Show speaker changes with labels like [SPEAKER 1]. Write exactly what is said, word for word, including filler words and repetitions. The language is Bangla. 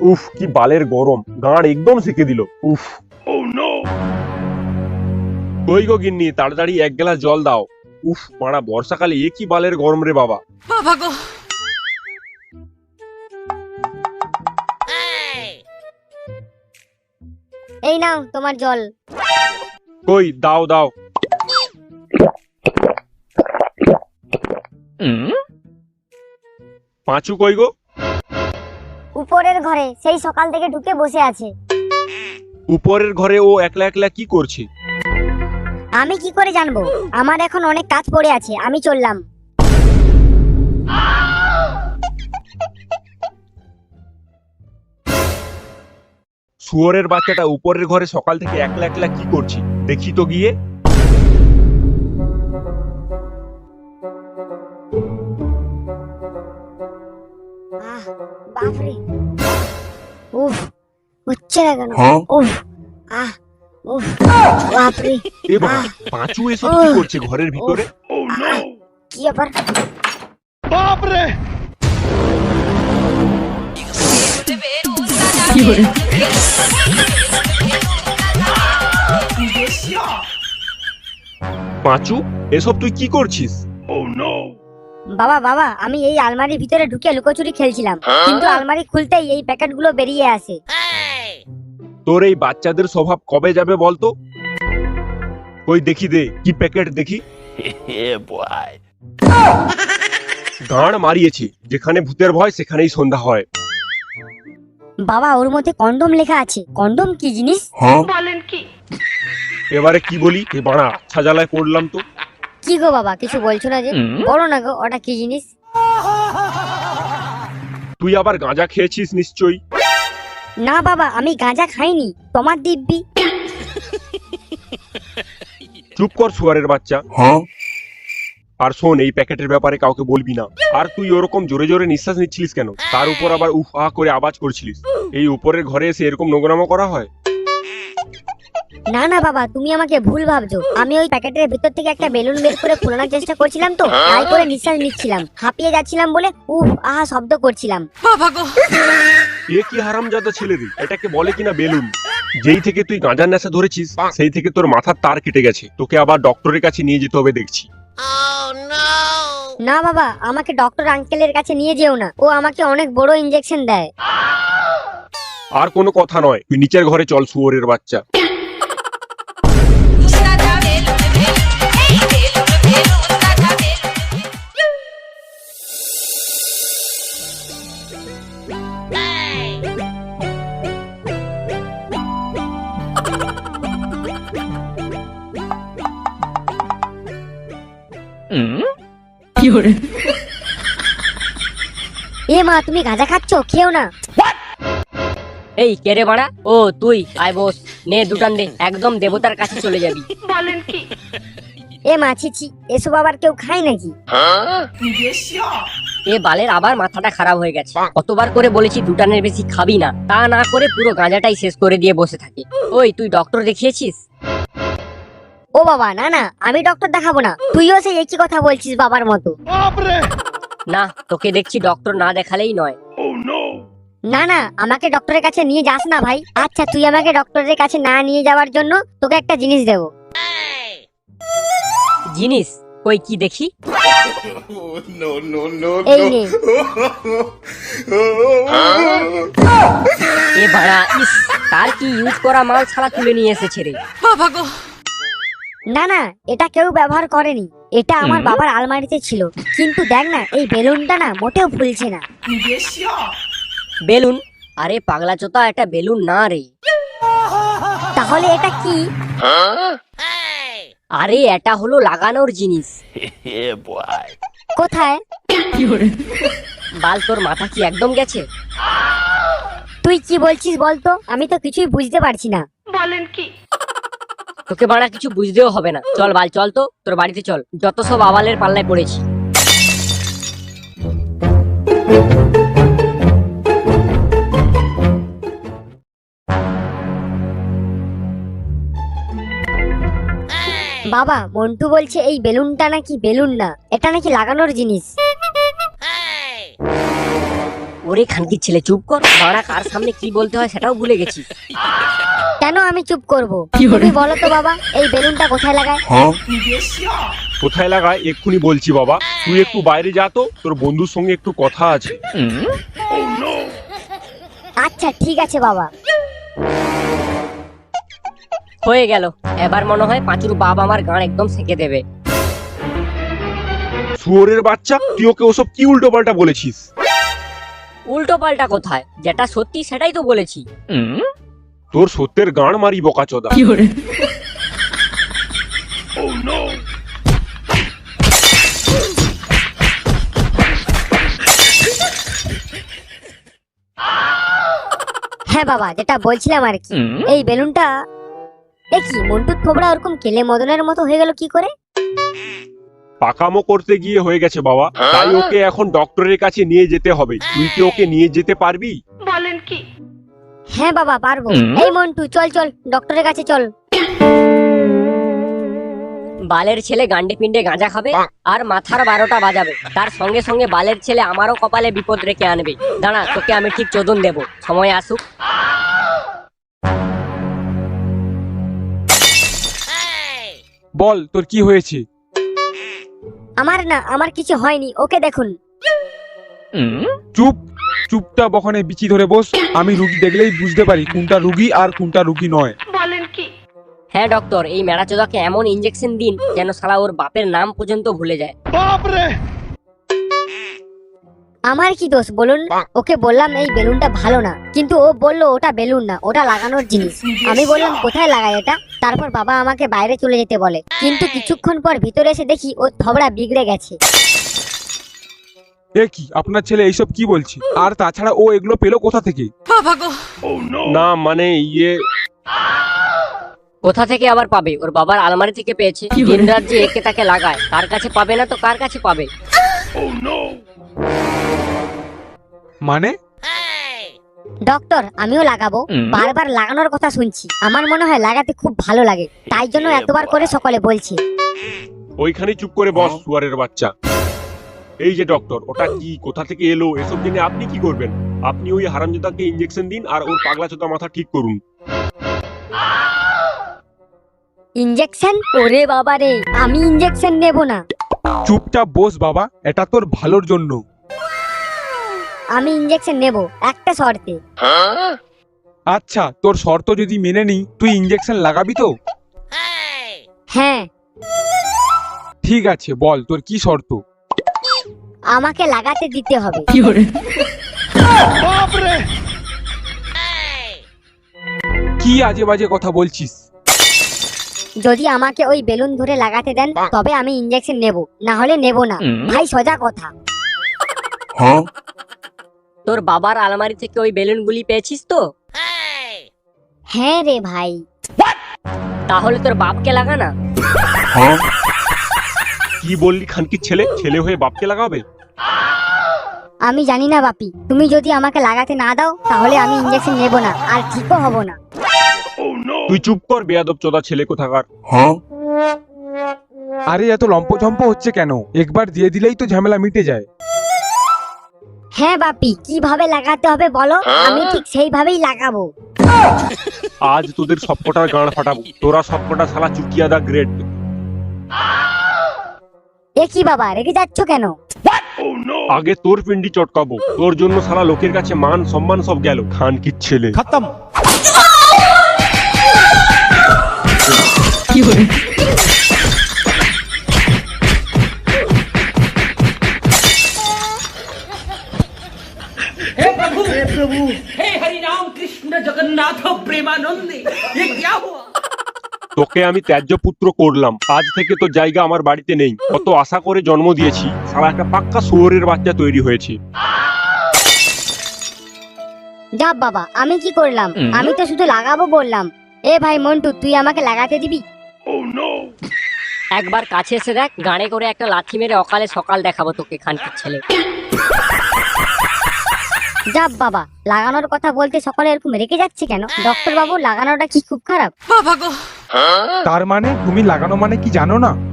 [SPEAKER 1] উফ কি বালের গরম, গাঁড় একদম সেকে দিল। উফ কই গো গিন্নি, তাড়াতাড়ি এক গ্লাস জল দাও। উফ মারা বর্ষাকালে এ কি বালের গরম রে বাবা।
[SPEAKER 2] বাবা গো,
[SPEAKER 3] এই নাও তোমার জল।
[SPEAKER 1] কই দাও দাও। পাঁচু কই গো?
[SPEAKER 3] উপরের ঘরে, সেই সকাল থেকে ঢুকে বসে আছে।
[SPEAKER 1] উপরের ঘরে ও একলা একলা কি করছে?
[SPEAKER 3] আমি কি করে জানবো? আমার এখন অনেক কাজ পড়ে আছে, আমি চললাম।
[SPEAKER 1] শুয়োরের বাচ্চাটা উপরের ঘরে সকাল থেকে একলা একলা কি করছে দেখি তো গিয়ে।
[SPEAKER 3] আহ, বাপরে, উফ, হচ্ছে না কেন? উফ, আহ, উফ, বাপরে,
[SPEAKER 1] এ বাবা,
[SPEAKER 3] আহ,
[SPEAKER 1] পাঁচু এসব কি করছে ঘরের ভিতরে?
[SPEAKER 3] আহ, কি ব্যাপার?
[SPEAKER 1] বাপরে পাঁচু, এসব তুই কি করছিস?
[SPEAKER 3] বাবা বাবা, আমি এই আলমারির ভিতরে ঢুকে লুকোচুরি খেলছিলাম, কিন্তু আলমারি খুলতেই এই প্যাকেটগুলো বেরিয়ে আসে।
[SPEAKER 1] তোর এই বাচ্চাদের স্বভাব কবে যাবে বলতো? কই দেখি দে, কি প্যাকেট দেখি। গাঁড় মারিয়েছি, যেখানে ভূতের ভয় সেখানেই সন্ধ্যা হয়।
[SPEAKER 3] বাবা, ওর মধ্যে কন্ডম লেখা আছে। কন্ডম কি জিনিস?
[SPEAKER 2] বলেন কি?
[SPEAKER 1] এবারে কি বলি, এ বাড়া ছাজালায় পড়লাম তো।
[SPEAKER 3] কি গো বাবা, কিছু বলছো না যে? বলো না গো, ওটা কি জিনিস?
[SPEAKER 1] তুই আবার গাঁজা খেয়েছিস নিশ্চয়ই।
[SPEAKER 3] না বাবা, আমি গাঁজা খাইনি, তোমার দিব্যি।
[SPEAKER 1] চুপ কর শুয়ারের বাচ্চা। আর শোন, এই প্যাকেটের ব্যাপারে কাউকে বলবি না। আর তুই ওরকম জোরে জোরে নিঃশ্বাস নিচ্ছিলিস কেন? তার উপর আবার উফ আহ করে আওয়াজ করছিলিস। এই উপরের ঘরে এসে এরকম নোংরামো করা হয়?
[SPEAKER 3] না না বাবা, তুমি আমাকে ভুল ভাবছো। আমি ওই প্যাকেটের ভিতর থেকে একটা বেলুন বের করে ফোলানোর চেষ্টা করছিলাম, তো তাই করে নিঃশ্বাস নিচ্ছিলাম, হাঁপিয়ে যাচ্ছিলাম বলে উফ আহা শব্দ করছিলাম।
[SPEAKER 2] বাবা গো,
[SPEAKER 1] এ কি হারামজাদা ছেলে রে, এটাকে বলে কিনা বেলুন। যেই থেকে তুই গাঁজার নেশা ধরেছিস সেই থেকে তোর মাথার তার কেটে গেছে। তোকে আবার ডক্টরের কাছে নিয়ে যেতে হবে দেখছি।
[SPEAKER 3] না বাবা, আমাকে ডক্টর আঙ্কেলের কাছে নিয়ে যেও না, ও আমাকে অনেক বড় ইনজেকশন দেয়।
[SPEAKER 1] আর কোনো কথা নয়, তুই নিচের ঘরে চল শুয়োরের বাচ্চা।
[SPEAKER 3] এ মা, তুমি গাঁজা খাচ্ছো? খেও না।
[SPEAKER 4] এই কে রে বাড়া? ও তুই, আয় বস, নে দুটান দে, একদম দেবতার কাছে চলে যাবি।
[SPEAKER 2] বলেন কি?
[SPEAKER 3] এ মা, ছি, এসব আবার কেউ খায় নাকি?
[SPEAKER 4] এ বালের আবার মাথাটা খারাপ হয়ে গেছে। কতবার করে বলেছি দুটানের বেশি খাবি না, তা না করে পুরো গাঁজাটাই শেষ করে দিয়ে বসে থাকে। ওই তুই ডক্টর দেখিয়েছিস?
[SPEAKER 3] ও বাবা, না না, আমি ডক্টর দেখাবো না। তুইও সেই একই কথা বলছিস বাবার মতো।
[SPEAKER 4] না, তোকে দেখছি ডক্টর না দেখালেই নয়।
[SPEAKER 3] না না, আমাকে ডক্টরের কাছে নিয়ে যাস না ভাই। আচ্ছা, তুই আমাকে ডক্টরের কাছে না নিয়ে যাওয়ার জন্য তোকে একটা জিনিস দেবো।
[SPEAKER 4] জিনিস? কই কি দেখি।
[SPEAKER 3] এই নে।
[SPEAKER 4] এ বাড়া, ইস, তার কি ইউজ করা মাল ছাড়া তুলে নিয়ে এসেছে রে।
[SPEAKER 2] বাবা গো,
[SPEAKER 3] না না, এটা কেউ ব্যবহার করেনি। এটা আমার বাবার আলমারিতে ছিল। কিন্তু দেখ না, এই বেলুনটা না মোটেও ফুলছে না।
[SPEAKER 4] বেলুন? আরে পাগলা চোতা, এটা বেলুন না রে।
[SPEAKER 3] তাহলে এটা কি?
[SPEAKER 4] আরে এটা হলো লাগানোর জিনিস।
[SPEAKER 3] কোথায়?
[SPEAKER 4] বাল, তোর মাথা কি একদম গেছে?
[SPEAKER 3] তুই কি বলছিস বলতো? আমি তো কিছুই বুঝতে পারছি না।
[SPEAKER 2] বলেন কি?
[SPEAKER 4] তোকে বাড়া কিছু বুঝতেও হবে না। চল বাল, চল তো, তোর বাড়িতে চল। যত সব আবালের পাল্লায় পড়েছি।
[SPEAKER 3] বাবা, মন্টু বলছে এই বেলুনটা নাকি বেলুন না, এটা নাকি লাগানোর জিনিস।
[SPEAKER 4] ওরে খানকির ছেলে চুপ কর, বাড়া কার সামনে কি বলতে হয় সেটাও ভুলে গেছি।
[SPEAKER 3] কেন আমি চুপ করব? তুমি বলো তো বাবা, এই বেলুনটা কোথায় লাগায়?
[SPEAKER 1] কোথায় লাগায় এক্ষুনি বলছি বাবা, তুই একটু বাইরে যা তো, তোর বন্ধুর সঙ্গে একটু কথা আছে।
[SPEAKER 3] আচ্ছা ঠিক আছে বাবা।
[SPEAKER 4] হয়ে গেল, এবার মনে হয় পাঁচুর বাপ আমার গান একদম সেঁকে দেবে।
[SPEAKER 1] শুয়োরের বাচ্চা, তুই ওকে ওসব কি উল্টো পাল্টা বলেছিস?
[SPEAKER 4] উল্টো পাল্টা কোথায়, যেটা সত্যি সেটাই তো বলেছি।
[SPEAKER 1] তোর সত্যের গান মারি বোকাচোদা।
[SPEAKER 3] হ্যাঁ বাবা, যেটা বলছিলাম আর কি, এই বেলুনটা এ কি মন্টুর থোবড়া ওরকম কেলে মদনের মতো হয়ে গেল কি করে?
[SPEAKER 1] পাকামো করতে গিয়ে হয়ে গেছে বাবা, তাই ওকে এখন ডক্টরের কাছে নিয়ে যেতে হবে। তুই কি ওকে নিয়ে যেতে পারবি?
[SPEAKER 2] বলেন কি?
[SPEAKER 3] হ্যাঁ বাবা পারবো। এই মন্টু চল চল ডক্টরের কাছে চল।
[SPEAKER 4] বালের ছেলে গান্ডে পিন্ডে গাঁজা খাবে আর মাথার বারোটা বাজাবে, তার সঙ্গে সঙ্গে বালের ছেলে আমারও কপালে বিপদ রেখে আনবে। দাঁড়া, তোকে আমি ঠিক চোদন দেব, সময় আসুক।
[SPEAKER 5] বল তোর কি হয়েছে?
[SPEAKER 3] আমার না, আমার কিছু হয়নি, ওকে দেখুন।
[SPEAKER 5] চুপ, চুপটা বখানে বিচি ধরে বস। আমি রুগী দেখলেই বুঝতে পারি কোনটা রুগী আর কোনটা রুগী নয়।
[SPEAKER 2] বলেন কি?
[SPEAKER 4] হ্যাঁ ডক্টর, এই মেরাচোদাকে এমন ইঞ্জেকশন দিন যেন শালা ওর বাপের নাম পর্যন্ত ভুলে যায়।
[SPEAKER 3] আমার কি দোষ বলুন? ওকে বললাম এই বেলুনটা ভালো না, কিন্তু ও বললো ওটা বেলুন না, ওটা লাগানোর জিনিস। আমি বললাম কোথায় লাগায় এটা? তারপর বাবা আমাকে বাইরে চলে যেতে বলে, কিন্তু কিছুক্ষণ পর ভিতরে এসে দেখি ওর থবড়া বিগড়ে গেছে।
[SPEAKER 5] এ কি, আপনার ছেলে এইসব কি বলছে? আর তাছাড়া ও এগুলো পেলো কোথা থেকে?
[SPEAKER 2] বাবা গো,
[SPEAKER 1] না মানে ইয়ে,
[SPEAKER 4] কোথা থেকে আবার পাবে? ওর বাবার আলমারি থেকে পেয়েছে। দিন রাত যে একে তাকে লাগায়, তার কাছে পাবে না তো কার কাছে পাবে?
[SPEAKER 5] মানে?
[SPEAKER 3] ডক্টর আমিও লাগাবো, বারবার লাগানোর কথা শুনছি, আমার মনে হয় লাগাতে খুব ভালো লাগে, তাই জন্য এতবার করে সকলে বলছে।
[SPEAKER 1] ওইখানে চুপ করে বস শুয়ারের বাচ্চা। এই যে ডক্টর, ওটা কি, কোথা থেকে এলো, এসব জেনে আপনি কি করবেন? আপনি ওই হারামজাদাকে ইঞ্জেকশন দিন আর ওর পাগলা চোদা মাথা ঠিক করুন।
[SPEAKER 3] ইঞ্জেকশন? ওরে বাবা রে, আমি ইঞ্জেকশন নেব না।
[SPEAKER 5] চুপচাপ বস বাবা, এটা তোর ভালোর জন্য।
[SPEAKER 3] আমি ইঞ্জেকশন নেব একটা শর্তে।
[SPEAKER 5] আচ্ছা, তোর শর্ত যদি মেনে নিই, তুই ইঞ্জেকশন লাগাবি তো?
[SPEAKER 3] হ্যাঁ।
[SPEAKER 5] ঠিক আছে, বল তোর কি শর্ত?
[SPEAKER 3] আমাকে লাগাতে দিতে হবে।
[SPEAKER 5] কি আজে বাজে কথা বলছিস?
[SPEAKER 3] যদি আমাকে ওই বেলুন ধরে লাগাতে দেন তবে আমি ইঞ্জেকশন নেব, না হলে নেব না। ভাই সোজা কথা।
[SPEAKER 4] তোর বাবার আলমারি থেকে ওই বেলুনগুলি পেয়েছিস তো?
[SPEAKER 3] হ্যাঁ রে ভাই।
[SPEAKER 4] তাহলে তোর বাপকে লাগা না।
[SPEAKER 1] কি বললি খানকির ছেলে? ছেলে হয়ে বাপকে লাগাবে?
[SPEAKER 3] আমি জানি না বাপি, তুমি যদি আমাকে লাগাতে না দাও তাহলে আমি ইঞ্জেকশন নেব না, আর ঠিকও হব না।
[SPEAKER 1] তুই চুপ কর বেয়াদব চোদা ছেলে কোথাকার।
[SPEAKER 5] আরে এত লম্পঝম্প হচ্ছে কেন? একবার দিয়ে দিলেই তো ঝামেলা মিটে যায়।
[SPEAKER 3] হ্যাঁ বাপি, কিভাবে লাগাতে হবে বলো, আমি ঠিক সেইভাবেই লাগাবো।
[SPEAKER 1] আজ তোদের সবকটার গাঁড় ফাটাবো, তোরা সবকটা শালা চুকিয়াদা গ্রেড।
[SPEAKER 3] এ কি বাবা, রেগে যাচ্ছ কেন?
[SPEAKER 1] আগে তোর পিন্ডি চটকাবো, তোর জন্য শালা লোকের কাছে মান সম্মান সব গেল। খানকির ছেলে
[SPEAKER 5] খতম।
[SPEAKER 6] हे हरि राम कृष्ण जगन्नाथ प्रेमानंदे, ये क्या हुआ?
[SPEAKER 1] তোকে আমি ত্যায্য পুত্র করলাম, আজ থেকে তো জায়গা আমার বাড়িতে নেই। কত আশা করে জন্ম দিয়েছি, শালা একটা পাক্কা শুয়োরের বাচ্চা তৈরি হয়েছে।
[SPEAKER 3] যা বাবা, আমি কি করলাম? আমি তো শুধু লাগাবো বললাম। এ ভাই মন্টু, তুই আমাকে লাগাতে দিবি?
[SPEAKER 4] একবার কাছে এসে দেখ, গাড়ে করে একটা লাথি মেরে অকালে সকাল দেখাবো তোকে খানকির ছেলে।
[SPEAKER 3] যা বাবা, লাগানোর কথা বলতে সকলে এরকম রেখে যাচ্ছে কেন? ডক্টর বাবু, লাগানোটা কি খুব খারাপ?
[SPEAKER 2] বাবা গো,
[SPEAKER 5] তার মানে তুমি লাগানো মানে কি জানো না?